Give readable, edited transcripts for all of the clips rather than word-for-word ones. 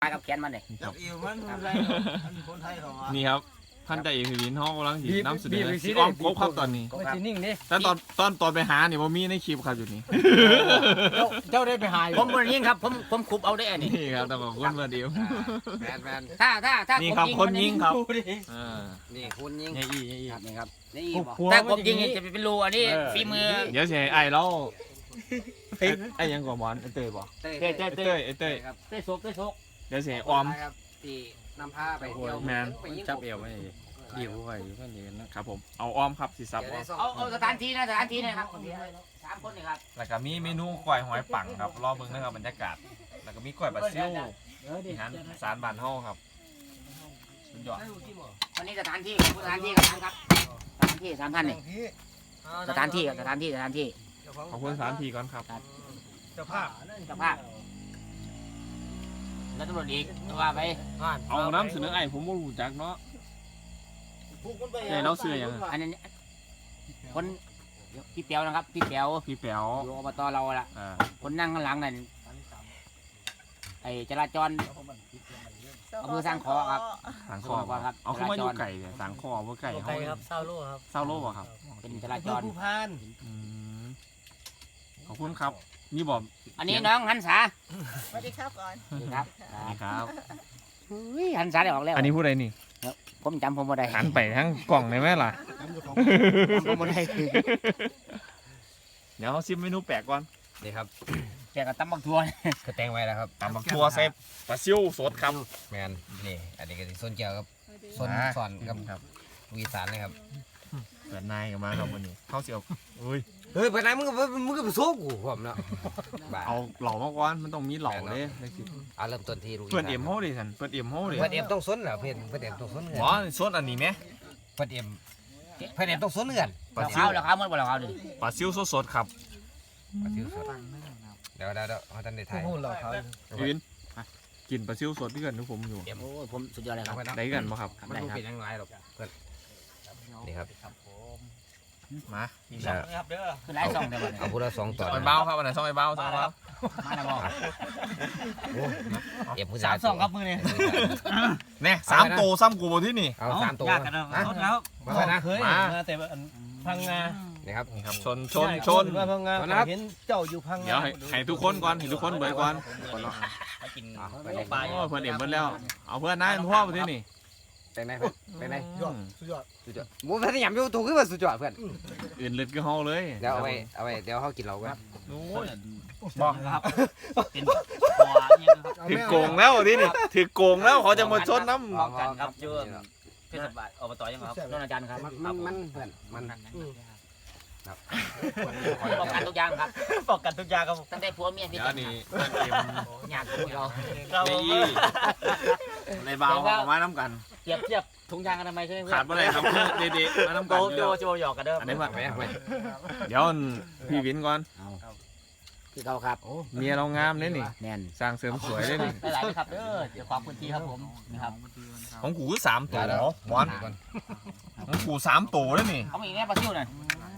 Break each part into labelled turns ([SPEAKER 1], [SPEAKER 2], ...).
[SPEAKER 1] ายกับแขนมันเลย
[SPEAKER 2] จับอีมันอะไรคนไทยเขา
[SPEAKER 3] นี่ครับท่านใจเอกพิวินห้องกำลังน้ำเสนอสีอ้อมครบครับตอนนี้
[SPEAKER 4] มันจะนิ่งดิ
[SPEAKER 3] แต่ตอนไปหาเนี่ยว่ามีในคลิปครับอยู่นี่
[SPEAKER 4] เจ้าได้ไปหา
[SPEAKER 1] ผมคนยิงครับผมขุบเอาได้อันนี้
[SPEAKER 3] นี่ครับแต่ของคนมาเดียว
[SPEAKER 2] แมน
[SPEAKER 1] ถ้า
[SPEAKER 3] นี่ครับคนยิงครับ
[SPEAKER 2] นี่คุณยิง
[SPEAKER 3] นี่
[SPEAKER 1] ครับนี่ครับนี่ถ้ากบยิงจะเป็นรูอันนี้ฝีมือ
[SPEAKER 3] เดี๋ยวเสียไอ้เราไอ้ยังกว่าบอลไอ้เต้ยบอก
[SPEAKER 1] เต้
[SPEAKER 3] ไอ้เต้ย
[SPEAKER 1] เต้โซก
[SPEAKER 3] เดี๋ยวเสียออม
[SPEAKER 2] ที่นำผ้าไปเที่ยว
[SPEAKER 3] แมน
[SPEAKER 4] จับเอวไว้ดีกว่าอยู่กันดีกันนะครับ
[SPEAKER 3] ผมเอาออมครับสีซับออม
[SPEAKER 1] เอาสถานที่นะครับ3 คนนี่ครับ
[SPEAKER 3] แล้วก็มีเมนูกล้วยหอยปังครับรอเบิ่งนะครับบรรยากาศแล้วก็มีกล้วยบาซิลอาหารสารบานเฮาครับสุดยอด
[SPEAKER 1] วันนี้สถานที่กับสถานที่กับครับสถานที่3 ท่านนี่สถานที่
[SPEAKER 3] ขอบคุณสถานที่ก่อนครับ
[SPEAKER 2] เจ้าภาพ
[SPEAKER 1] เจ้าภาพแล้วตำรวจอีกว่าไป
[SPEAKER 3] เอาน้ำเสนอไอ้ผมบ่รู้จักเนาะไอ้เราเสื้อยัง
[SPEAKER 1] อันนี้คนพี่เปียวนะครับพี่เปียว
[SPEAKER 3] พี่แป๋ว
[SPEAKER 1] อยู่อบตเราละ
[SPEAKER 3] อ่า
[SPEAKER 1] คนนั่งข้างหลังนั่นไอ้จราจรอำเภอสร้างขอครับ
[SPEAKER 3] สังคอครับเอาเข้ามาอยู่ไก่เนี่ยสังคอบ่ไก่เฮา
[SPEAKER 4] ครับเศร้าโลครับ
[SPEAKER 3] เศร้าโลบ่ครับ
[SPEAKER 1] เป็นจราจร
[SPEAKER 2] ผู้พาน
[SPEAKER 3] อืมขอบคุณครับนี่บอก
[SPEAKER 1] อันนี้น้องหันษา
[SPEAKER 5] สวัสดีครับก่อน
[SPEAKER 1] ครับ
[SPEAKER 3] นี่ครับ
[SPEAKER 1] หันษาได้ออกแล้ว
[SPEAKER 3] อันนี้ผู้ใดนี่
[SPEAKER 1] ผมจำผมบ่ได้
[SPEAKER 3] หันไปทั้งกล่องได้ไหมล่ะ
[SPEAKER 1] ผมบ่ได้
[SPEAKER 3] เดี๋ยวเขาชิมเมนูแปลกก่อน
[SPEAKER 2] นี่ครับ
[SPEAKER 1] แกก็ตำบักทัว
[SPEAKER 2] กระแตงไว้แล้วครับ
[SPEAKER 3] ตำบักทั่วเซฟปลาซิวสดครับ
[SPEAKER 2] แมนนี่อันนี้ก็ส้นเจียวครับส้นสอนครับวีสานเลยครับ
[SPEAKER 3] เปิดนายกันมาครับวันนี้เข้าเสียวอุ้ย
[SPEAKER 2] เฮ้ยไปไหนมึงก็ไปโซ่กูผมเนาะ
[SPEAKER 3] เอาเหล่ามาก่อนมันต้องมีเหล่าเลยในคลิป
[SPEAKER 2] เอาเริ่มต้นที่
[SPEAKER 3] เปิดเอ็มเฮาดิสันเปิดเอ็มเฮาดิ
[SPEAKER 2] เพื่อนเอ็มต้องส้นเหรอเพื่อนเอ็มต้องส้นเงิน
[SPEAKER 3] หมอสดอันนี้ไหม
[SPEAKER 2] เพื่อนเอ็มต้องส้นเงิน
[SPEAKER 3] ปลา
[SPEAKER 1] เรา
[SPEAKER 3] ซิว
[SPEAKER 1] ข้าวเราข้าวมันบ่เราข้าวดิ
[SPEAKER 3] ปลาซิวสดๆครับ
[SPEAKER 2] มาซิวสดเดี๋ยวเขาท่านได้ถ่าย
[SPEAKER 4] พูดเราเขา
[SPEAKER 3] พี่วินกินปลาซิวสดที่กันทุกผมอยู่
[SPEAKER 1] โอ้ผมสุดยอดเลยครับ
[SPEAKER 3] ได้กันปะครับ
[SPEAKER 2] มันดูเป็นยังไงหรอกเพื่อนนี่ครับ
[SPEAKER 3] มา
[SPEAKER 1] คือหลายซองแต่บ่เนี่ย
[SPEAKER 2] เอาพูดละ2 ตอน
[SPEAKER 3] ไปเบ้าครับอันไหนซ่องไปเบ้าซ่องไปเบ้า
[SPEAKER 1] มาแล้วบ่
[SPEAKER 2] เอ็มผู้
[SPEAKER 1] สา
[SPEAKER 2] ชาม ย
[SPEAKER 1] ซองครับมือนี่
[SPEAKER 3] เนี่ย3 โตซ้ำกูบ่ที่นี่
[SPEAKER 2] เอา3 ตัว
[SPEAKER 4] ยากกันนะแล้ว
[SPEAKER 2] มานะ
[SPEAKER 4] เคยมาแต่พังงา
[SPEAKER 2] นี่ครับ
[SPEAKER 3] นี่ครับชน
[SPEAKER 4] มาพังงาเห็นเจ้าอยู่พัง
[SPEAKER 3] เดี๋ยวให้ทุกคนก่อนให้ทุกคนเบิดก่อน
[SPEAKER 1] กิน
[SPEAKER 3] ปลาเพื่อนเอ็มเบิดแล้วเอาเพื่อนนายพ่อไปที่นี่
[SPEAKER 2] เป็นไงเป็นไง
[SPEAKER 4] สุดยอด
[SPEAKER 2] สุดยอดมูพัทยามอยู่ตัวขึ้นมาสุดยอดเพื่อน
[SPEAKER 3] อื่นเลือดก็เฮาเลย
[SPEAKER 2] เดี๋ยวเอาไว้เดี๋ยวเขากินเรากัน
[SPEAKER 3] โอ้ย
[SPEAKER 1] บอกครับเป็นคอยังครับ
[SPEAKER 3] ถือโกงแล้วที่นี่ถือโกงแล้วเขาจะมาชนน้
[SPEAKER 1] บอกกันครับเจอเทศบาลอบตยังครับน้องอาจารย์ครับ
[SPEAKER 2] มันเพื่อนมัน
[SPEAKER 1] บอกกันทุกอย่างครับ
[SPEAKER 4] บอกกันทุกอย่างครับ
[SPEAKER 1] ตั้งแต่ผัวเมีย
[SPEAKER 3] ำ
[SPEAKER 1] พี่
[SPEAKER 3] เดี๋ยว
[SPEAKER 1] กัน
[SPEAKER 3] นี่เพื่อนเอ็ม
[SPEAKER 1] อยากคุยเรา
[SPEAKER 3] นี่ในเบาออกมาน้ำกัน
[SPEAKER 1] เทียบถุงยางอนามัยใช่ไหมเพื่
[SPEAKER 3] ขาดเมื่อไรครับเด็ดๆมาน้ำกัน
[SPEAKER 4] โจหยอกกันเด้อ
[SPEAKER 3] อันนี้ว่า
[SPEAKER 2] ไม่ไม่
[SPEAKER 3] เดี๋ยวพี่วินก่อน
[SPEAKER 1] คือเขาครับ
[SPEAKER 3] เมียเรางามเลยนี่
[SPEAKER 1] แน่น
[SPEAKER 3] สร้างเสริมสวยเลยนี่
[SPEAKER 1] หลายๆครับเด้อเดี๋ยวความพื้นที่ครับผมนะครับ
[SPEAKER 3] ของกูคือ3 ตัวหมอนของกู3 ตัวเลยนี่
[SPEAKER 1] เอามาอีกแน่ปลาซิวหน่อย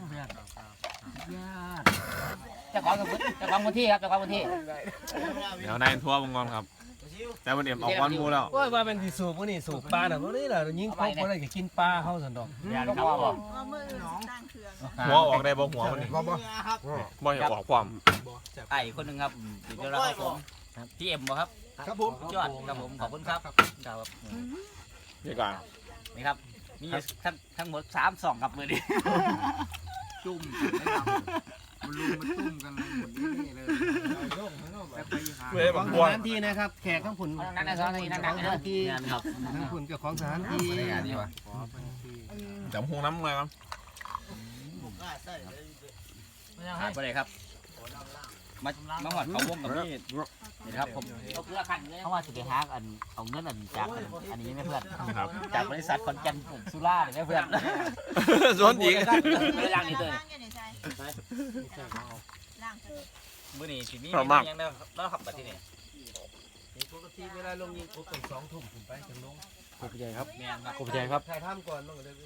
[SPEAKER 1] เจ้าของพื้นที่ครับเจ้าของพื้นที่
[SPEAKER 3] เดี๋ยวนายทั่ววงกรครับ แต่วันเอ็มออกวันมูแล้ว
[SPEAKER 4] ว่าเป็นที่สูบพวกนี้สูบปลาน่ะพวกนี้แหละยิงพกอะไรก็กินปลาเข้าสันดอก
[SPEAKER 1] ยานครับบอก
[SPEAKER 5] ว่ามือสร้างเครื่อง
[SPEAKER 3] หัวออกได้บ่หัวมันนี่บ่อยากออกความ
[SPEAKER 1] ไอ้คนหนึ่งครับเดี๋ยวเราครับผมพี่เอ็มบ่ครับ
[SPEAKER 4] ครับผม
[SPEAKER 1] ยอดครับผมขอบคุณครับครับ
[SPEAKER 3] เดี๋ยวก่อน
[SPEAKER 1] นี่ครับมีทั้งหมด3 2กับมือนี้จุ่ม
[SPEAKER 2] มันลุมมันตุ้มกันนี่เลย
[SPEAKER 3] เว้ยบาง
[SPEAKER 4] ส
[SPEAKER 3] บัว
[SPEAKER 4] ถานที่นะครับแขกทั้งผุน
[SPEAKER 1] นั่นนะสองทีนั่นนะที่ครับ
[SPEAKER 4] ทั้งผุนกับของสถานที่
[SPEAKER 2] ในงานนี้วะ
[SPEAKER 3] จำหงน้ำเลยครับ
[SPEAKER 1] ขาดไปเลยครับมาหอดเขาวงกับนี่นี่ครับผมเพราะว่าสุดท้ายอันเอาเงินอันจากอันนี้ไม่เพื่อนจากบริษัทคอนแกนสุราเนี่ยเพื่อน
[SPEAKER 3] สวนอีก
[SPEAKER 1] ไม่ได้ล่างนี่เลย
[SPEAKER 5] ล้างยังไงใช่ล้าง
[SPEAKER 1] มื้อนี้สิมียังแล้วขับมาที่นี่
[SPEAKER 4] ปกติเวลาลงยิงปุ๊บต้อง2 ทุ่มขึ้นไปถึงลง
[SPEAKER 3] ขอบใจครับ
[SPEAKER 1] แม่นครับ
[SPEAKER 3] ขอบใจครับ
[SPEAKER 4] ถ่ายทำก่อนต้องเลย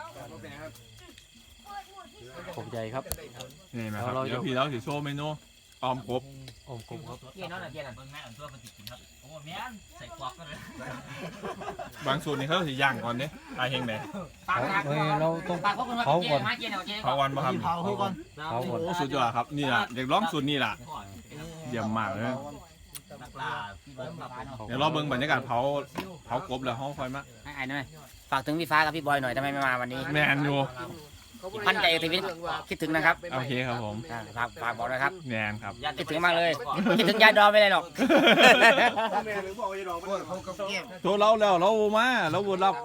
[SPEAKER 3] ขอบใจครับนี่นะครับเดี๋ยวพี่เราสิโชว์เมนูออมครบ
[SPEAKER 1] ครับเกี่ยนนั่นน่ะเกี่ยนนั่นเบิ่งแม่อันตัวมันติดกินครับโอ้แม่นใส่กวอกกันเลย
[SPEAKER 3] บางสูตรนี่เขาสิย่างก่อนเด้ตายเฮงไหน
[SPEAKER 1] ปาก
[SPEAKER 4] เราต้อง
[SPEAKER 1] ปากเขาเกี่ยนมาเกี่ยนเอาเกี่ยน
[SPEAKER 3] เผาวันบ่ครับ
[SPEAKER 4] เผาก่อน
[SPEAKER 3] โอ้สุดยอดครับนี่ล่ะเด็กร้องสูตรนี่ล่ะเยี่ยมมากเลย
[SPEAKER 1] นักล่าพี่เบิ้มกับน้อง
[SPEAKER 3] เดี๋ยวเราเบิ่งบรรยากาศเผากบแล้วห้องคอยมา
[SPEAKER 1] ให้ไอ้หน่อยฝากถึงพี่ฟ้ากับพี่บอยหน่อยทำไมไม่มาวันนี้
[SPEAKER 3] แมนอยู่
[SPEAKER 1] มั่นใจทีวิตคิดถึงนะครับ
[SPEAKER 3] โอเคครับผม
[SPEAKER 1] ฝากบอกนะครับ
[SPEAKER 3] แมนครับ
[SPEAKER 1] คิดถึงมากเลยคิดถึงยายดอมไม่ได้หรอก
[SPEAKER 3] ตัวเราแล้วเรามาเราบดรับ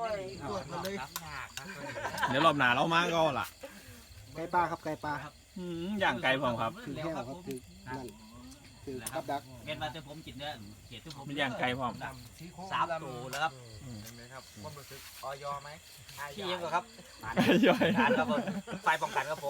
[SPEAKER 3] เดี๋ยวรอบหน้าเรามาก็ล่ะ
[SPEAKER 4] ไก่ปลาครับไก่ปลา
[SPEAKER 3] ย่างไก่พร้อมครับ
[SPEAKER 4] คือแค่ครับคือนั่นคือกับดัก
[SPEAKER 1] เงินมาเจอผมกินเนื้อเขียดที่ผม
[SPEAKER 3] มีย่างไก่พร้อม
[SPEAKER 1] 3 ตัวแล้วครับ
[SPEAKER 2] ออยไหม
[SPEAKER 1] พี่ยังครับ
[SPEAKER 3] ย่อย
[SPEAKER 1] การครับผมไฟป้องกันครับผม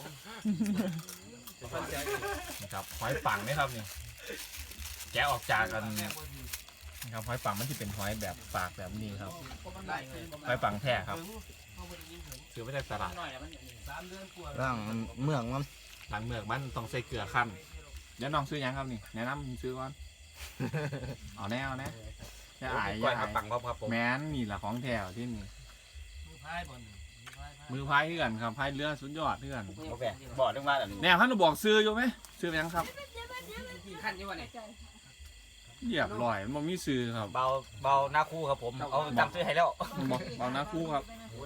[SPEAKER 3] ครับหอยปังนี่ครับนี่แกะออกจากกันครับหอยปังมันที่เป็นหอยแบบปากแบบนี้ครับหอยปังแท้ครับซื้อมาจากตลาด
[SPEAKER 2] ร่างเมืองมัน
[SPEAKER 3] หลังเมือกมันต้องใส่เกลือขั้นเดี๋ยวน้องซื้อยังครับนี่แนะนำซื้อก่อนเอาแน่จะอาย
[SPEAKER 2] ก้อย
[SPEAKER 3] อาย
[SPEAKER 2] ปังครับผม
[SPEAKER 3] แม้นนี่แหละของแถวที่นี่มือพายเพื่อนครับพายเรือสุดยอดเพื่อน
[SPEAKER 1] โอเคบอกเรื่องว่า
[SPEAKER 3] แนวท่านจะบอกซื้ออยู่ไหมซื้อไปยังครับ
[SPEAKER 1] ขั้นยี่วันไหน
[SPEAKER 3] เหยียบลอยมันมีซื้อครับ
[SPEAKER 1] เบาหน้าคู่ครับผมเอาจำซื้อให้แล้ว
[SPEAKER 3] บอกเบาหน้าคู่ครับ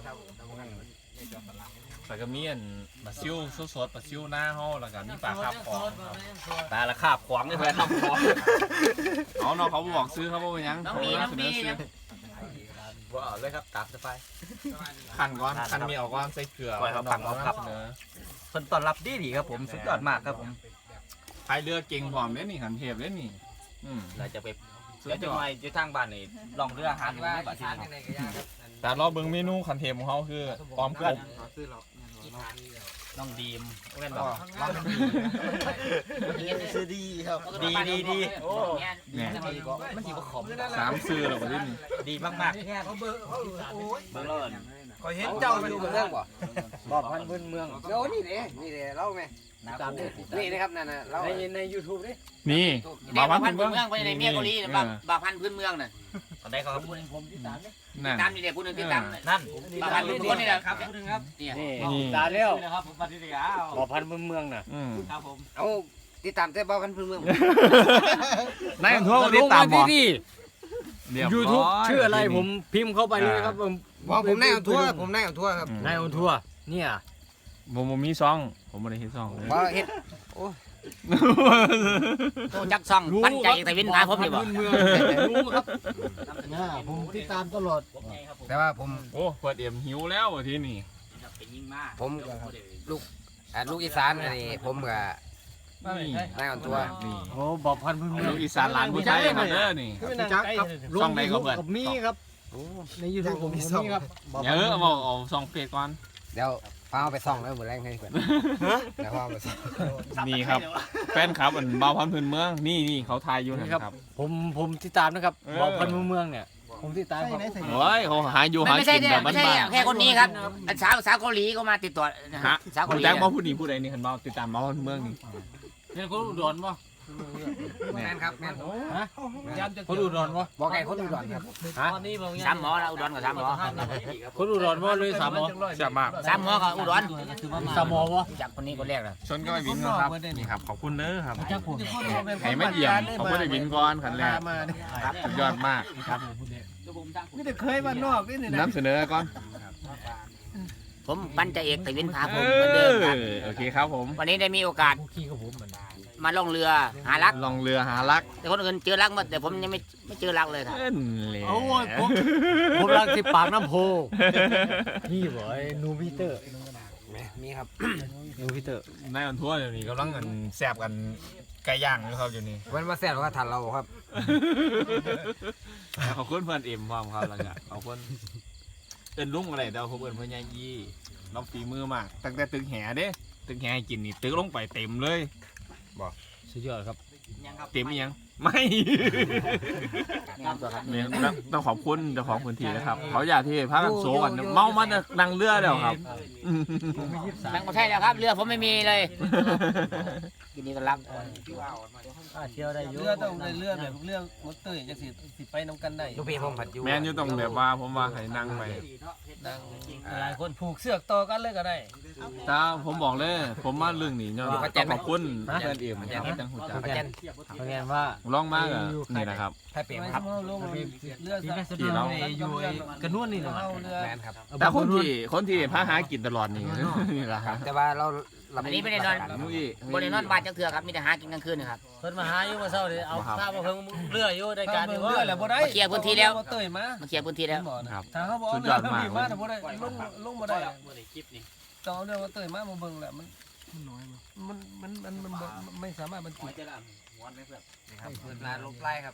[SPEAKER 3] แต่ก็มีอันปลาซิวสดๆปลาซิวหน้าห้อแล้วก็มีปลาคาบของครับ
[SPEAKER 1] ตาละคาบขวางนี่เพื่อนคาบขวาง
[SPEAKER 3] เอาเนาะเขาบอกซื้อเขาบอกว่ายัง
[SPEAKER 1] น้องมี
[SPEAKER 3] เสนอซื้อ
[SPEAKER 1] ว่าเลยครับตามสบาย
[SPEAKER 3] ขันก้อนขันมีออกก้อนใส่เกลือ
[SPEAKER 1] ปล่อยเขาปังเอาครับ
[SPEAKER 3] เสนอ
[SPEAKER 1] คนต้อนรับดีครับผมสุดยอดมากครับผม
[SPEAKER 3] พายเรือเก่งพร้อมเล่นนี่ขันเทพเล่นนี่
[SPEAKER 1] เราจะไปแล้วจะมาอยู่ทางบ้านนี่ลองเรือหาดูไม่บาดที่
[SPEAKER 3] แต่เราเบิ่งเมนูขันเทพของเขาคือออมกบ
[SPEAKER 1] น้องดีมเล่นบอก
[SPEAKER 4] ซื้อดีครับ
[SPEAKER 1] ดีโอ้
[SPEAKER 3] เนี่ย
[SPEAKER 1] มันดีกว่าขม
[SPEAKER 3] 3ซื้อแล้วบ่ได้นี่
[SPEAKER 1] ดีมากๆเนี่ยเบอร์เลิศ
[SPEAKER 2] ก็เห็นเจ้าอยู่เมืองบ่บอกพันพื้นเมืองเดี๋ยวนี่เด้เล่าไหมนี่นะครับนั่นน่ะเราใน YouTube ดิ
[SPEAKER 3] นี่บา
[SPEAKER 1] บา
[SPEAKER 3] พั
[SPEAKER 1] พั
[SPEAKER 3] น
[SPEAKER 1] น
[SPEAKER 3] ธุ์
[SPEAKER 1] พื้
[SPEAKER 3] เมื
[SPEAKER 1] น
[SPEAKER 3] อง
[SPEAKER 1] เมืองไปในเมียเกาหลีบาพันพื้นเมืองน่ะตอนใดเขาพูดผมที่ตาม
[SPEAKER 3] นั่น
[SPEAKER 1] ตามนี่เด็กผู้หนึ่งที่ตามนั่นบาพันพื้นเมืองนี่แหละครับผู้หนึ่งครับนี่
[SPEAKER 3] นี่
[SPEAKER 2] ตาเลี้ยว
[SPEAKER 1] นะครับผมปฏิเสธอ้าว
[SPEAKER 2] บอกพันพื้นเมืองน่ะ
[SPEAKER 1] ครับผม
[SPEAKER 2] เอาติดตามแต่บอกพันพื้นเมือง
[SPEAKER 3] นายทั่วติดตามบ่
[SPEAKER 4] ยูทูบชื่ออะไรผมพิมพ์เข้าไปเลยครับผม
[SPEAKER 2] บอกผมนายเอาทั่วผมนายเอาทั่วครับ
[SPEAKER 4] นายออนทัวร์เนี่ย
[SPEAKER 3] ผมมีซองผมบ่ได้เฮ็ดซองเลย
[SPEAKER 2] บ่เฮ็ด
[SPEAKER 1] โตจักซ่องปั้นใจแต่วินพาผมนี่บ่
[SPEAKER 4] เมืองรู้ครับผมติดตามตลอด
[SPEAKER 2] แต่ว่าผม
[SPEAKER 3] โอ้เปิดเอ็มหิวแล้วทีนี่
[SPEAKER 2] ผมลูกอีสานนี่ผมกับ
[SPEAKER 3] นี่
[SPEAKER 2] นายเอาทั่ว
[SPEAKER 3] นี่
[SPEAKER 4] โอ้บอกพันพื้นเมือง
[SPEAKER 3] ลูกอีสานหลานผู้ชายครับเด้อนี่
[SPEAKER 4] จักครับล
[SPEAKER 3] ช่อง งไหนครับเพื่อน
[SPEAKER 4] กับมีครับในยูทูบผมมีครับ
[SPEAKER 3] เยอะบอกเอาซองเฟซก่อน
[SPEAKER 2] เดี๋ยวฟ้าเอาไปส่องแล้วหมดแรงให้เพื่อนเดี๋ยวฟ้าเอาไปส่อง
[SPEAKER 3] นี่ครับแฟนคลับอันเบาพันธุ์พื้นเมืองนี่เขาทายอยู่นะครับ
[SPEAKER 4] ผมติดตามนะครับบอกพันพื้นเมืองเนี่ยผมติดตามครับ
[SPEAKER 3] โอ้ยเขาหาอยู่หา
[SPEAKER 1] ไม่ใช่
[SPEAKER 3] กินแบบ
[SPEAKER 1] ไม่ใช่
[SPEAKER 3] บ้าน
[SPEAKER 1] แค่คนนี้ครับสาวเกาหลีก็มาติดต่อ
[SPEAKER 3] ๆฮะ
[SPEAKER 1] สาว
[SPEAKER 3] คุ
[SPEAKER 1] เกา
[SPEAKER 3] ณ
[SPEAKER 1] หลี
[SPEAKER 3] แจ็คมาพูดนี่พูดอะไรนี่คันเบาติดตามเบาพันธุ์เมืองนี่
[SPEAKER 4] เนี่ยคนอุดรป่ะ
[SPEAKER 2] แม่นครับแม่น
[SPEAKER 4] คนอุดรป่ะ
[SPEAKER 2] บอกไก่คนอุดรครับ
[SPEAKER 1] สามหมอแล้วอุดรกับสามหมอ
[SPEAKER 4] คนอุดรป่ะเลยสามหมอ
[SPEAKER 3] แซ่บมาก
[SPEAKER 1] สามหมอกับอุดร
[SPEAKER 4] สามหมอป่ะ
[SPEAKER 1] จากคนนี้คนแรกเลย
[SPEAKER 3] ชนก็ไปวินก่อนครับนี่ครับขอบคุณเด้อครับ
[SPEAKER 4] จักผม
[SPEAKER 3] ให้มาเยี่ยมเขาไม่ได้วินก่อนขันแรกสุดยอดมากครับ
[SPEAKER 4] ไม่ได้เคยมานอกนี่นะ
[SPEAKER 3] นำเสนอก่อน
[SPEAKER 1] ผมปั้นใจเอกแต่วินพาผมเหมือนเดิมครับ
[SPEAKER 3] โอเคครับผม
[SPEAKER 1] วันนี้ได้มีโอกาส
[SPEAKER 4] ขี้กับผมมัน
[SPEAKER 1] มาล่องเรือหารัก
[SPEAKER 3] ลองเรือหารัก
[SPEAKER 1] แต่คนอื่นเจอรักหมดแต่ผมยังไม่เจอรักเลยครับ
[SPEAKER 3] เล่นเลย
[SPEAKER 4] โอ้ยผมรักที่ปากน้ำโพนี่บ่ไอ้นูบิเตอร์
[SPEAKER 2] มีครับ
[SPEAKER 4] นูบิเตอร์
[SPEAKER 3] นายอันทั่วเดี๋ยวนี้กำลังกันแซ่บกันไก่ย่างอยู่ครับอยู่นี่
[SPEAKER 2] วันมาแซ่บก็ทันเราครับ
[SPEAKER 3] ขอบคุณเพื่อนเอ็มพร้อมครับแล้วก็ขอบคุณเอินลุงอะไรเดาผมเอินเพื่อนยายยี่น้องฝีมือมากตั้งแต่ตึกแห่เด้ตึกแห่ให้กินนี่ตึกลงไปเต็มเลย
[SPEAKER 4] สุดยอดครับ
[SPEAKER 3] เต็มอีหยังไม่
[SPEAKER 1] งามตัวครับ
[SPEAKER 3] เนี่ยต้องขอบคุณเจ้าของพื้นที่นะครับเขาอยากที่พากันโซกันเมามันนั่งเรือแล้วครับ
[SPEAKER 1] นั่งมาใช่แล้วครับเรือผมไม่มีเลยยินดีต้อนรับ
[SPEAKER 4] เที่ยวได้อยู่
[SPEAKER 6] เรือต้องได้เรือแบบเรือมอเตอร์จังสิไปนำกันได้
[SPEAKER 2] ลูกพี่ผมผัดอยู่
[SPEAKER 3] แม่นอยู่ต้องแบบว่าผมว่าให้นั่งไป
[SPEAKER 6] หลายคนผูกเสือกต่อกันเลยก็ได้
[SPEAKER 3] ถ้าผมบอกเลยผมมาเรื่องนี้เนาะต้องขอบคุณเพื่อนเอ็มครับจังหูจัก
[SPEAKER 2] ประจัน
[SPEAKER 4] เพราะงั้นว่า
[SPEAKER 3] ร้องมากอ่ะนี่นะครับ
[SPEAKER 2] ถ้าเปลี่ยน
[SPEAKER 6] ไม่
[SPEAKER 2] ครับ
[SPEAKER 6] ใช่ลงเรือ
[SPEAKER 4] ที่
[SPEAKER 6] สั
[SPEAKER 4] แม่
[SPEAKER 6] ก
[SPEAKER 4] สะดวกอยู่กระนวลนี่นะ
[SPEAKER 6] เอาเรือ
[SPEAKER 2] แมนครับ
[SPEAKER 3] แต่คนที่พาหากินตลอดนี่นี่แหละครับ
[SPEAKER 2] แต่ว่าเรา
[SPEAKER 1] อันนี้ไม่ได้นอน
[SPEAKER 3] นุ้ย
[SPEAKER 1] บนได้นอนบ้านจังเถื่อครับมีแต่หากินกลางคืนนะครับ
[SPEAKER 4] เพิ่นมาหาอยู่มาเช้านี่เอาข้าวมาเพิ่งเรืออยู่ในการนี่
[SPEAKER 6] เรือแหละบ่ได้
[SPEAKER 1] มาเคลียร์พื้นที่แล้ว
[SPEAKER 6] มอเตอร์มา
[SPEAKER 1] มาเคลียร์พื้นที่แล้ว
[SPEAKER 3] ครับ
[SPEAKER 6] ถ้าเขาบอก
[SPEAKER 3] สุดย
[SPEAKER 6] เรือ
[SPEAKER 3] อดมาก
[SPEAKER 6] มาแต่บ่ได้ลงบ่ได้ต่อเรือมอเตอร์มาเบิ่งแหละมันไม่สามารถบรรจุ
[SPEAKER 2] ครับเปิดร้านลบไล่ครับ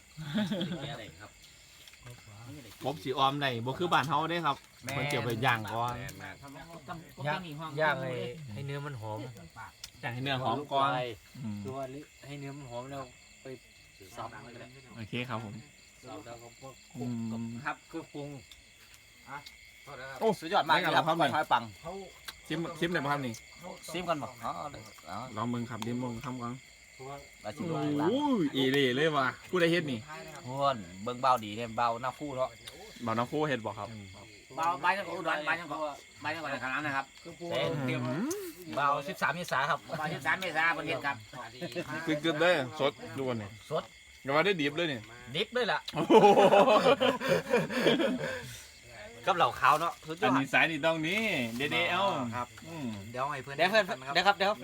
[SPEAKER 3] กบสีออมในบ่คือบ้านเฮาเด้ครับมันเกี่ยวไปย่างก่อน
[SPEAKER 4] ย่างให้เนื้อมันหอม
[SPEAKER 3] ย่างให้เนื้อหอมก่อนอืม
[SPEAKER 4] ตัวให้เนื้อมันหอมแล้วไปสับ
[SPEAKER 3] โอเคครับผม
[SPEAKER 4] แล้วก็พวก
[SPEAKER 3] อืม
[SPEAKER 1] ครับ
[SPEAKER 4] เครื่องปรุง
[SPEAKER 1] โอ้สุดยอดมากครับหอยปัง
[SPEAKER 3] ชิมได้บ่ครับนี่
[SPEAKER 1] ซิมกันบ่อ๋อ
[SPEAKER 3] ลองมึงครับดิมมึงทำก่อน
[SPEAKER 1] มาชิม
[SPEAKER 3] โอ้
[SPEAKER 1] ดูร้าน
[SPEAKER 3] ยอีเลยเลยว่ะผู้ใดเฮ็ดนี่
[SPEAKER 1] เพื่อนเบิ่งเบาดีเนี่ยเบาหน้าคู่เนาะ
[SPEAKER 3] บ่าวน้องโคเฮ็ดบ่ครับ
[SPEAKER 1] เบาใบจังอุดรใบจังใบจังหวัดขนาดนะครับ
[SPEAKER 2] เบา13 เมษาครับ
[SPEAKER 1] เบา13 เมษายนประเทศครับ
[SPEAKER 3] กึดๆเลยสดดูก่อนนี่
[SPEAKER 1] สด
[SPEAKER 3] อย่าว่าได้ดิบเลยนี่
[SPEAKER 2] ดิฟด้วยล่ะ
[SPEAKER 3] โอ้โห
[SPEAKER 2] กับเหล่าขาวเนาะสุดย
[SPEAKER 3] อั
[SPEAKER 2] อน ด
[SPEAKER 3] นี้สายนี่ต้องนี้เดเอล
[SPEAKER 2] ครับ
[SPEAKER 3] อืม
[SPEAKER 2] เดี๋ยวให้เพื่อนเดี๋ยวครับเดี๋ยว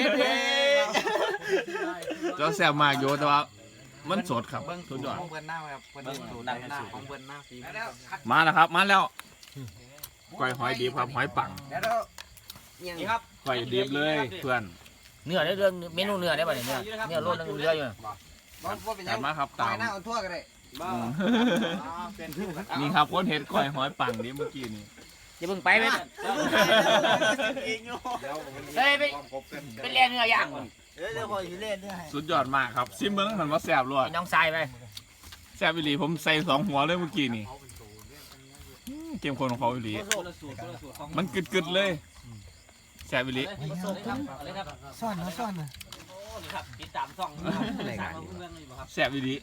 [SPEAKER 3] เจ้าแซ่บมากอยู่แต่ว่ามันสดครับสุดยอด
[SPEAKER 2] เพื่อนหน้าครับเพื่อนสูตรดังหน้าของเพื่อนหน้าฟี
[SPEAKER 3] มาแล้วครับมาแล้วก้อยหอยดิบครับหอยปัง
[SPEAKER 2] นี่ครับ
[SPEAKER 3] ก้อยดิบเลยเพื่อน
[SPEAKER 1] เนื้อได้เรื่องเมนูเนื้อได้ป่ะเนี่ยเนื้อโลดนึงเรืออยู่
[SPEAKER 3] จัดมาครับตาม
[SPEAKER 2] หน้าคนทั่วกันเลย
[SPEAKER 3] อืมนี่ครับคนเห็ดก้อยหอยปังนี่เมื่อกี้นี่
[SPEAKER 1] อย่าเพิ่งไปไปเฮ้ยไปเรียนเนื้อย่าง
[SPEAKER 3] สุดยอดมากครับซิมเบิ้งมันว่าแซ่บรวด
[SPEAKER 1] น้องทรายไป
[SPEAKER 3] แซ่บอีหลีผมใส่2 หัวเลยเมื่อกี้นี่เกมคนของเขาอีหลีมันกึดๆเลยแซ่บอีหลี
[SPEAKER 6] ซ่อนนะ
[SPEAKER 2] ในการ
[SPEAKER 3] แซ่บอีหลี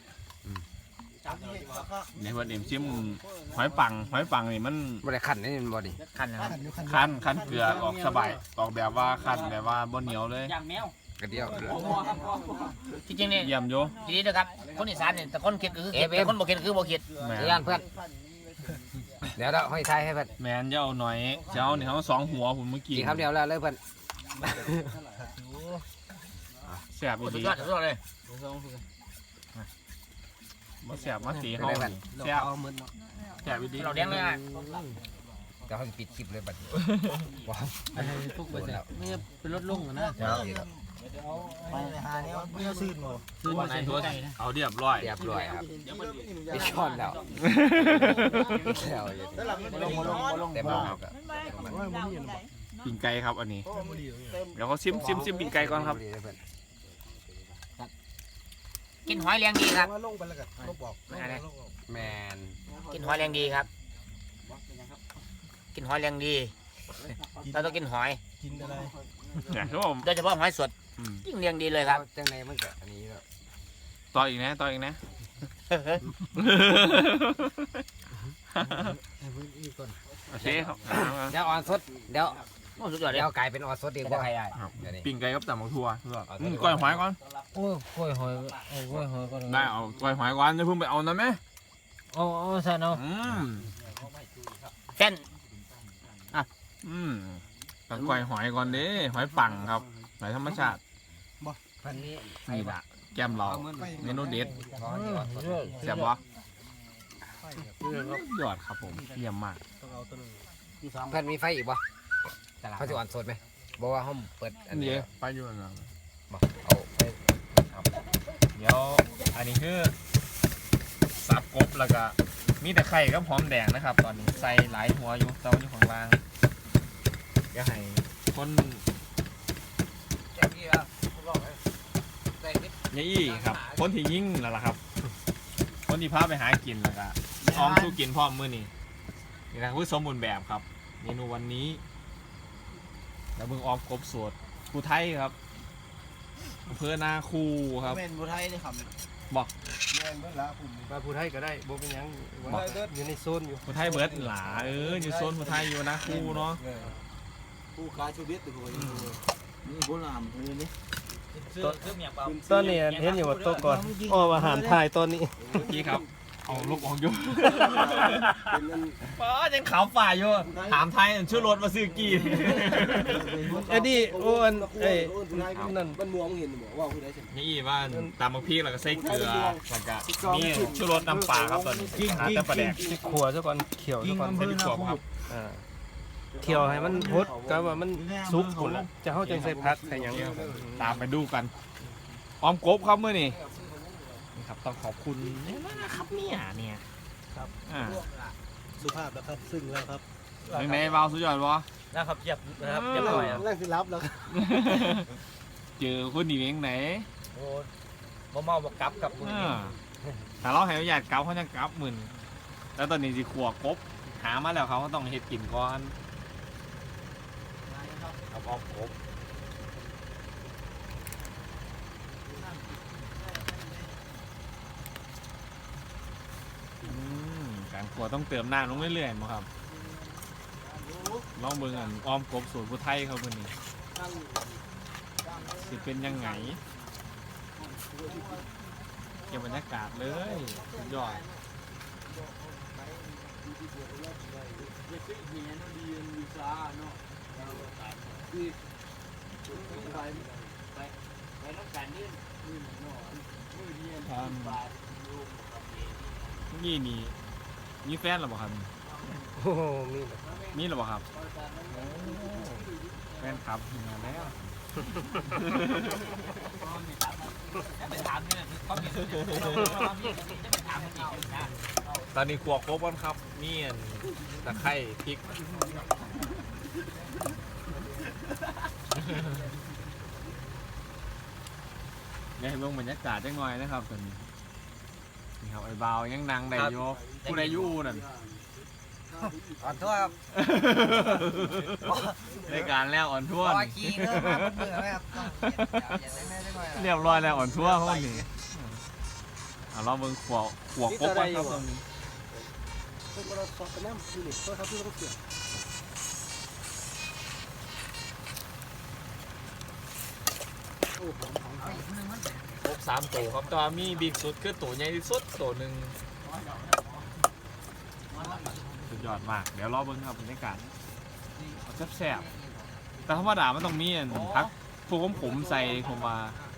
[SPEAKER 3] ในวันเอ็มชิมหอยปังนี่มัน
[SPEAKER 2] บริขันนี่บอดี้
[SPEAKER 1] คันนะครับ
[SPEAKER 3] คันเกลือออกสบายออกแบบว่าคันแบบว่าบ่เหนียวเลย
[SPEAKER 2] กระเดียว
[SPEAKER 1] จริงๆเนี่ย
[SPEAKER 3] เยี่ยมโย
[SPEAKER 1] ทีนี้นะครับคนอีสานเนี่ยแต่คนเขียนคือแต่คนบ่เขียนคือบ่เขียน
[SPEAKER 3] แม
[SPEAKER 2] ย่าน นเพื่อนเดี๋ยวเราให้ทายให้เพื่อน
[SPEAKER 3] แมนจะเอาหน่อยจะเอานี่เขา2 หัวผมเมื่อกี้
[SPEAKER 2] กี่คำเดียวแล้วเลยเพื่อน
[SPEAKER 3] แซ่บอีห
[SPEAKER 1] สุด
[SPEAKER 3] ลี
[SPEAKER 1] ยอดสุดยอดเลย
[SPEAKER 3] บ่แซ่บมาตีเฮาแซ่บแซ่บอีหลี
[SPEAKER 1] เราเลี้ยงเลยอ่ะ
[SPEAKER 2] เดี๋ยวให้ปิดคลิปเลยบัดว้าว
[SPEAKER 4] พวกไปไม่เป็นรถลุงนะ
[SPEAKER 3] ซื้อมาในโทรเอาเรียบร้อย
[SPEAKER 2] เรียบร้อยครับปิดช่อนแล้วแล้วแต่บ้าครับ
[SPEAKER 3] ปิ่งไก่ครับอันนี้เดี๋ยวเขาซิมปิ่งไก่ก่อนครับ
[SPEAKER 1] กินหอยเลี้ยงดีครับ
[SPEAKER 2] แมน
[SPEAKER 1] กินหอยเลี้ยงดีครับ กินหอยเลี้ยงดีเราต้องกินหอย
[SPEAKER 3] เนี่ยครับผม
[SPEAKER 1] โดยเฉพาะหอยสดยิ่งเลี้ยงดีเลยครับ
[SPEAKER 2] จังในมันก็อันนี้แล้ว
[SPEAKER 3] ต่ออีกนะโอเคครับ
[SPEAKER 2] เดี๋ยวออนสดเดี๋ยว
[SPEAKER 1] สุดยอดเลย
[SPEAKER 2] เดี๋ยวกลายเป็นออนสดดีกว่า
[SPEAKER 3] ปิ่งไก่กับตำบักทั่วก้อยหอยก่อน
[SPEAKER 4] โอ้ยกล้วยหอยกล้วยหอยก็
[SPEAKER 3] ได้เอาก้อยหอยก่อนจะเพิ่งไปเอานะแม่
[SPEAKER 4] เอาซะเนาะ
[SPEAKER 1] เต้น
[SPEAKER 3] ต้องก้อยหอยก่อนเด้หอยปังครับหอยธรรมชาติ
[SPEAKER 2] พันนี้
[SPEAKER 3] นี่ละแก้มเราเมนูเด็ดแซ่บวะยอดครับผมเยี่ยมมาก
[SPEAKER 2] เพื่อนมีไฟอีกบ่เขาจะออนสดไหมบอกว่าห้องเปิดอันนี้
[SPEAKER 3] นี่ไปอยู่นะ
[SPEAKER 2] บอกเอาไป
[SPEAKER 3] เดี๋ยวอันนี้คือสับกบแล้วก็มีแต่ไข่กับหอมแดงนะครับ ตอนนี้ใส่หลายหัวอยู่เต้าอยู่ของล่างเดี๋ยวให้คน
[SPEAKER 2] แจ้งพี่ครับใส่นิด
[SPEAKER 3] นี่ครับคนที่ยิ่งแล้วล่ะครับคนที่พาไปหากินแล้วก็ออมสู้กินพร้อมมื้อนี้นี่นะคือสมบูรณ์แบบครับเมนูวันนี้แล้วเบิ่งออมกบสดภูไทยครับอำเภอนาคูครับ
[SPEAKER 1] เป็นบุไทยนี่ครับ
[SPEAKER 3] บอก
[SPEAKER 6] มาพูดให้ก็ได้บ่เป็นหยังอยู่ในโซนอยู่
[SPEAKER 3] ภูไทยเบิร์ดหลาอยู่โซนภูไทยอยู่นาคูเนาะ
[SPEAKER 1] ผู้ค้าชีวิตตัวนี่โบราณเลยนี่
[SPEAKER 6] ตอนนี้เห็นอยู่ว่าตัวก่อนอ้ออาหารไทยตอนนี้
[SPEAKER 3] เมื่อกี้ครับเอาลูกออกอยู่ป้ายังขาวฝ่ายอยู่ถามไทยชื่อรถมาซื้อกี่
[SPEAKER 6] ไอ้นี่โอ้อันเอ้ยนั่น
[SPEAKER 2] มันมองเห็นบ่ว่าคือได้สิ
[SPEAKER 3] นี่ว่าตามบางพี่แล้วก็ใส่เกลือแล้วก็นี่ชูรสน้ำปลาครับตอนนี้หาแต่ปลาแดก
[SPEAKER 6] ที่ขัวซะก่อนเขียวซะก่อน
[SPEAKER 3] ใส่พริกขัวครับ
[SPEAKER 6] เขียวให้มันพดก็ว่ามันสุกพุ่นล่ะจะเฮาจังใส่ผักใส่หยัง
[SPEAKER 3] ตามไปดูกันออมกบครับเมื่อนี่นี่ครับต้องขอบคุณนี่นะครับเนี่ยครับ
[SPEAKER 4] สุภาพแล้วครับซึ่งแล้วครับ
[SPEAKER 3] ยังไงเบาสุดยอดวะ
[SPEAKER 1] นะครับเจ็บนะครับเจ็บหน่อยอ่ะ
[SPEAKER 4] แรกสิรับแล้ว
[SPEAKER 3] เจอคนดีเองไหน
[SPEAKER 1] โอ้บ่เมาบ่กลับกับมือ
[SPEAKER 3] แต่เราให้อยากเกาเขาจะกลับหมื่นแล้วตอนนี้สิขวบกบหามาแล้วเขาก็ต้องเฮ็ดกินก่อนเอาออมกบการขวต้องเติมน้ำลงเรื่อยๆมั้งครับลองเบิ่งอันออมกบสูตรผู้ไทยเขาเป็นนี่สิเป็นยังไงเก็บบรรยากาศเลยสุดยอดนี่มีแฟนหรือเปล่าครับ
[SPEAKER 6] โอ้โหมี
[SPEAKER 3] หรือเปล่าครับแฟนครับมาแล้ว ตอนนี้ขวบครบแล้วครับมีตะไคร้พริกเนี่ยให้เบิ่งบรรยากาศจังหน่อยนะครับตอนนี้นี่ครับไอ้บ่าวยังนางได้อยู่ผู้ใดอยู่นั่น
[SPEAKER 1] ขอโทษครับ
[SPEAKER 3] ในการแล้วอ่อนทั่ว
[SPEAKER 1] ขอขี้เด้อมาเบื่อไหมครับ
[SPEAKER 3] เรียบร้อยแล้วอ่อนทั่วห้องนี้เอาเราเบิ่งขวบครบก่อนครับตรงนี้
[SPEAKER 4] เป็นเราสอบกันน้ำคือนี่เขาที่เขาเกี่ยว
[SPEAKER 3] ครบ3ตัวครับตัวมีบิ๊กสุดคือตัวใหญ่ที่สุดตัวหนึ่งสุดยอดมากเดี๋ยวรอเบิ่งครับบรรยากาศเอาแซ่บๆแต่ธรรมดามันต้องมีอันพักพวกผมใส่ผมมา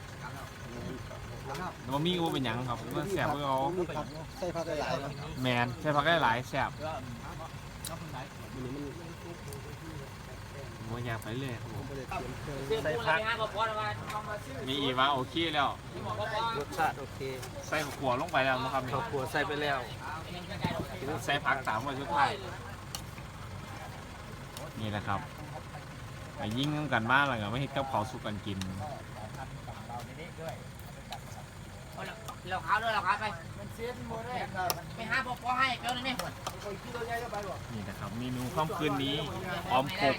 [SPEAKER 3] แต่ว่ามีก็เป็นหยังครับมันแซ่บเพื่อเอา
[SPEAKER 4] ใส่ผักหลายๆนะ
[SPEAKER 3] แมนใส่ผักได้หลายแซ่บมันอยากไปเลยครับผม
[SPEAKER 6] ใส่ผัก
[SPEAKER 3] มีอีว่าโอเคแล้ว
[SPEAKER 6] รสชาติโอเค
[SPEAKER 3] ใส่ขัวลงไปแล้วนะครับ
[SPEAKER 6] ข้าวขัวใส่ไปแล้ว
[SPEAKER 3] ใส่ผัก3วันสุดท้ายนี่แหละครับไปยิ่งกันมากเลยไม่ให้กับเขาสุกกันกิน
[SPEAKER 1] เราขาวด้วยเราขาวไปไปหาพ่อให้เจ้าหน่อยไหม
[SPEAKER 3] นี่นะครับเมนูค่ำคืนนี้ออมกบ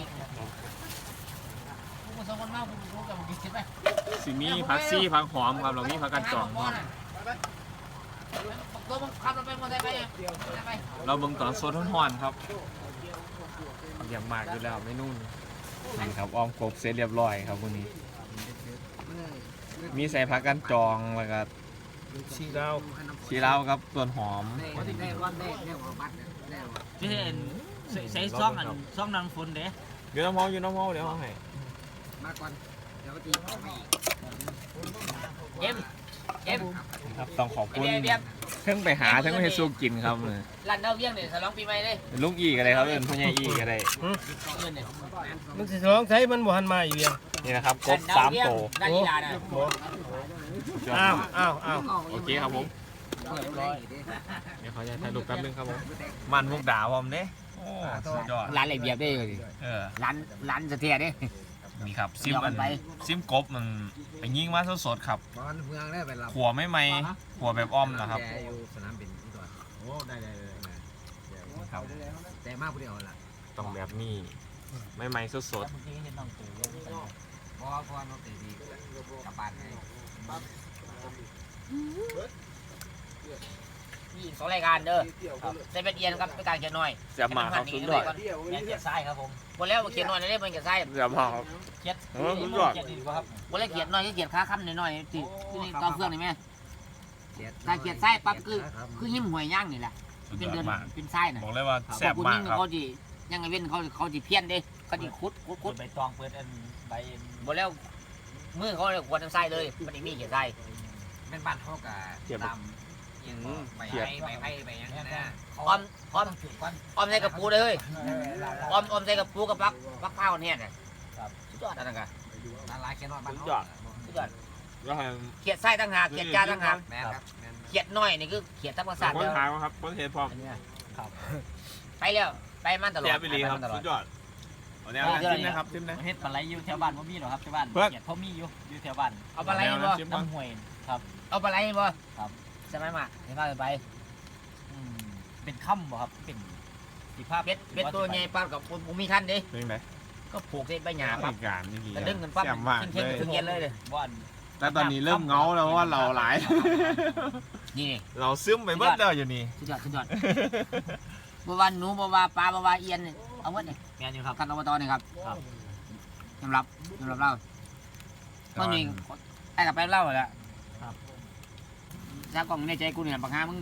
[SPEAKER 1] ผู้สองคนมากผู้รู้กับผู้คิดไป
[SPEAKER 3] สิมีผักซี่ผักหอมครับเรามีผักกันจองครับ
[SPEAKER 1] ตัวมึงขับรถไปหมดได้ไหมไป
[SPEAKER 3] เราเบิ่งตอนโซนฮ้อนๆครับอย่างมากอยู่แล้วเมนูนี้นี่ครับออมกบเสร็จเรียบร้อยครับวันนี้ มีใส่ผักกันจองแล้วก็
[SPEAKER 6] ชีดาว
[SPEAKER 3] ชีลาวครับส่วนหอม
[SPEAKER 1] ที่เห็นใส่ซ่องอันซ่องนางฝนเด้
[SPEAKER 3] เดี๋ยวน้ำเมาอยู่น้ำเมาเดี๋ยวเอาให้
[SPEAKER 1] มาก่อนเดี๋ยวตีเอ็ม
[SPEAKER 3] ครับต้องขอบคุณ
[SPEAKER 1] เบียบ
[SPEAKER 3] ทั้งไปหาทั้งไปให้สู้กินครับเลย
[SPEAKER 1] รันเดาเวียงเนี่ยฉลองปีใหม่เลย
[SPEAKER 3] เป็นลูกอีกอะไรครับเป็นพ่อใหญ่อีกอะไร
[SPEAKER 1] เงินเนี่ย
[SPEAKER 6] มันสิร้องใช้มันบ่หันมาอยู่ยัง
[SPEAKER 3] นี่นะครับกบ3 ตัว
[SPEAKER 1] ด้านอีลาน่ะ
[SPEAKER 6] อ้าว
[SPEAKER 3] โอเคครับผมเดี๋ยวขออนุญาตถ่ายรูปแป๊บนึงครับผมมันมุกดาผมเด้โอ้สุดยอด
[SPEAKER 1] ร้านอะไรเบียบได้เลย
[SPEAKER 3] เออ
[SPEAKER 1] ร้านเสถียรเด้
[SPEAKER 3] นี่ครับซิม
[SPEAKER 1] เดี๋ยวมันไป
[SPEAKER 3] ซิมกบมันไปยิงมาสดๆครับ
[SPEAKER 2] บ้านเมืองได้ไปรับ
[SPEAKER 3] ขัวไม่ไหมขัวแบบอ้อมนะครับ
[SPEAKER 2] แกอยู่สนามบินที่ตัวโอ้ได้ครับแต่มากผู้เดียวล่ะ
[SPEAKER 3] ต้องแบบนี้ไม่ไหมสด
[SPEAKER 2] เพราะน้องเตดีกลับบ้านไง
[SPEAKER 1] มีสองรายการเด้อเซเว่นเอียนครับเป็นการเขียนน้อย
[SPEAKER 3] ๆจะมาครับสุดยอด
[SPEAKER 1] เนี่ยเขียนทรายครับผมหมดแล้วเขียนน้อยได้เป็นเขียนทราย
[SPEAKER 3] จะมาครับ
[SPEAKER 1] เขียน
[SPEAKER 3] สุดยอด
[SPEAKER 1] หมดแล้วเขียนน้อยก็เขียนขาค้ำน้อยๆที่นี่ตอนเครื่องนี่แม่ถ้าเขียนทรายปั๊บคือหิ้มหวยย่างนี่แหละ
[SPEAKER 3] สุด
[SPEAKER 1] เป็น
[SPEAKER 3] ยอ
[SPEAKER 1] เดิ
[SPEAKER 3] ด
[SPEAKER 1] น
[SPEAKER 3] มาก
[SPEAKER 1] เป็นทรายน่ะ
[SPEAKER 3] บอกเลยว่า
[SPEAKER 1] พ
[SPEAKER 3] แซ่
[SPEAKER 1] อบ คุณ
[SPEAKER 3] มาก
[SPEAKER 1] ยิ่ง
[SPEAKER 3] ครับ
[SPEAKER 1] เขาจียังไงเว้นเขาจีเพี้ยนเด้เขาจีคุดใบตองเปิดอันใบหมดแล้วมือเขาเลยขวดน้ำทรายเลยมันอีกมีเขียนทราย
[SPEAKER 2] เป็นบ้านเขากับตามไปไปอย่างนี้นะ
[SPEAKER 1] ออมใส่กระปูเลยออมใส่กระปูกับปักเผาเนี่ยน่ะสุดยอดนั่นกัน
[SPEAKER 2] ร้านแค่นอนบ้าน
[SPEAKER 1] สุดยอด
[SPEAKER 3] แล้วให้
[SPEAKER 1] เขียดไส้ต่างหากเขียดจานต่างหาก
[SPEAKER 2] แม่ครับ
[SPEAKER 1] เขียดน้อยนี่คือเขียดธรรมศาสตร์
[SPEAKER 3] คน
[SPEAKER 1] แล้ว
[SPEAKER 3] ทางครับคนเทพร้อม
[SPEAKER 1] ไปแล้วไปมันตลอด
[SPEAKER 3] แซ่บไปเลยครับสุดยอดเอาแนวนั้นจิ้มนะครับจิ้มนะ
[SPEAKER 7] เฮ็ดปลาไหลอยู่แถวบ้านบ่มีหรอกครับแถวบ้าน
[SPEAKER 3] เพิ่น
[SPEAKER 7] เกียดเขามีอยู่แถวบ้าน
[SPEAKER 1] เอาปลาไหลบ่
[SPEAKER 7] น้ำห้วยครับ
[SPEAKER 1] เอาปลาไหลบ่
[SPEAKER 7] ครับ
[SPEAKER 1] ใช่ไหมมาเดี๋ยวพาไป
[SPEAKER 7] อืมเป็นค่ำบ่ครับเป็นสีภาพ
[SPEAKER 1] เบ็ดตัวใหญ่ปลากับผมมีคันดิ
[SPEAKER 3] เป็นไง
[SPEAKER 1] ก็ผูกเส้นใบหญ้าปั๊บ
[SPEAKER 3] การนี่ดี
[SPEAKER 1] แต่ดึงกันปั๊บ
[SPEAKER 3] แซ่บมาก
[SPEAKER 1] ขึ้น
[SPEAKER 3] เล
[SPEAKER 1] เข่ง
[SPEAKER 3] ย
[SPEAKER 1] ถึงเย็นเลยเลย
[SPEAKER 7] บ้าน
[SPEAKER 3] แต่ตอนนี้เริ่มเงาแล้วว่าเราหลาย
[SPEAKER 1] นี่
[SPEAKER 3] เราซึมไปเบิดแล้วอยู่นี่
[SPEAKER 1] สุดยอดบัววานหนูบัววาปลาบัววาเอียนเอาหมดนี่
[SPEAKER 7] แม่นอยู่ครับ
[SPEAKER 1] ท่านอบตนี่ครับสำหรับเราเมื่อนี้ไอ้กับไปเล่าแหละถ้ากล่องในใจกูเนี่ยปังหามึง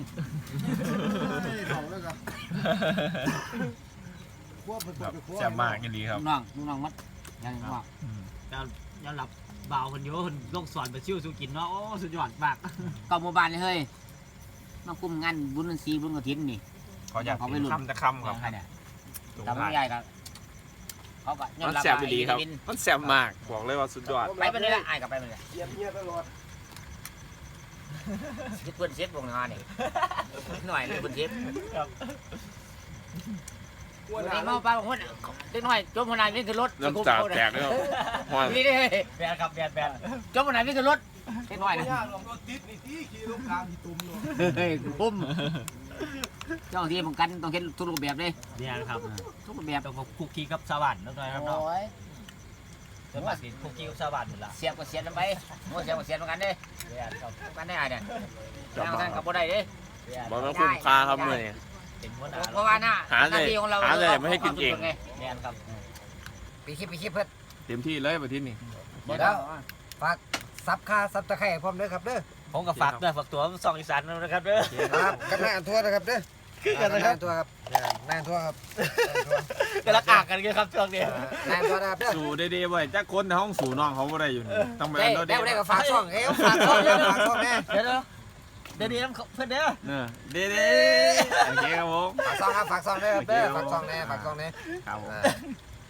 [SPEAKER 3] แซ่บมากยินดีครับ
[SPEAKER 1] ลูกน้องมัดยังว่า
[SPEAKER 7] ย้อนหลับบ่าวคนโยคนลงสอนไปชิวสู่กินเนาะโอ้สุดยอดมาก
[SPEAKER 1] ก็หมู่บ้านเลยเฮ้ยมาคุมงานบุญศรีบุญกฐินนี่
[SPEAKER 3] เขาอยากกินคำจะคำครับ
[SPEAKER 1] ใครเนี่ยทำใหญ่ครับเขาก็
[SPEAKER 3] มันแซ่บดีครับมันแซ่บมากบอกเลยว่าสุดยอด
[SPEAKER 1] ไปเลยไอ้กับไปเลย
[SPEAKER 2] เยี่ยมเยี่ยมตลอด
[SPEAKER 1] เพื่อนเชฟวงงานนี่หน่อยเลยเพื่อนเชฟวันนี้มาป้าบางคนเล็กน้อยจมคนไหนวิ่งขึ้นรถ
[SPEAKER 3] น้ำตาแตกเลยครับ
[SPEAKER 1] นี่ดิ
[SPEAKER 7] แบนครับแบน
[SPEAKER 1] จมคนไหนวิ่งขึ้นรถเล็กน้อยนะ
[SPEAKER 2] ลงรถติดนี่ที่ขี่รถกลางที่ตุ่มเนาะ
[SPEAKER 1] เฮ้ยปุ้มเจ้าที่ผมกันต้องเห็นทุกรูปแบบเลย
[SPEAKER 7] เนี่ยครับ
[SPEAKER 1] ทุกรูปแบบ
[SPEAKER 7] ต้องคุกคีกับชาวบ้านแล้วครับเนาะ
[SPEAKER 1] โอ้ย
[SPEAKER 7] ส่วนมากสิคุกคีกับชาวบ้านหมดละ
[SPEAKER 1] เสียบก็เสียบกันไปโอ้เสียบก็เสียบกันเด้
[SPEAKER 7] แบนครับ
[SPEAKER 1] กันได้ไงเนี่ยทางท่านกับบ่ได้เด้
[SPEAKER 3] บอกว่าคุ้มค่าครับมือนี่
[SPEAKER 7] เป็นหัวหน้า
[SPEAKER 1] เพราะว่าหน้า
[SPEAKER 3] หาเลย
[SPEAKER 1] หน้าที่ของเรา
[SPEAKER 3] หาเลยไม่ให้กินเอง
[SPEAKER 7] แบนครับ
[SPEAKER 2] ไปคลิปเพื่อน
[SPEAKER 3] เต็มที่เลยประเทศนี้
[SPEAKER 2] เดี๋ยวฝากซับค่าซับตะไคร้พร้อมเด้อครับเด้อ
[SPEAKER 7] ผมก็ฝากด้วยฝากตัวส่องอีสานนะครับเด้อ
[SPEAKER 2] ครับกันหน้าทั่วนะครับเด้อ
[SPEAKER 7] คือกันนะครับ
[SPEAKER 2] ทั่วครับหน้าทั่วครับ
[SPEAKER 7] กำลังอ่างกันครับช่วงนี้
[SPEAKER 2] หน้าทั่วนะครับเด้อ
[SPEAKER 3] สู่ได้ๆไว้จักคนในห้องสู่น้องเขาบ่ได้อยู่นี่ต้องไป
[SPEAKER 2] ได้
[SPEAKER 3] เอา
[SPEAKER 2] ได้
[SPEAKER 3] เด้
[SPEAKER 2] ได้ก็ฝากช่องเอ้ฝากช่องเด้อฝากช่องแน่
[SPEAKER 7] เดี๋ยวนี้น้ำเพื่อนเด้อ
[SPEAKER 3] เด้โอเคครับผม
[SPEAKER 2] ฝากช่องครับฝากช่องเด้อครับเด้อฝากช่องแน่ฝากช่องแน่
[SPEAKER 3] ครับผม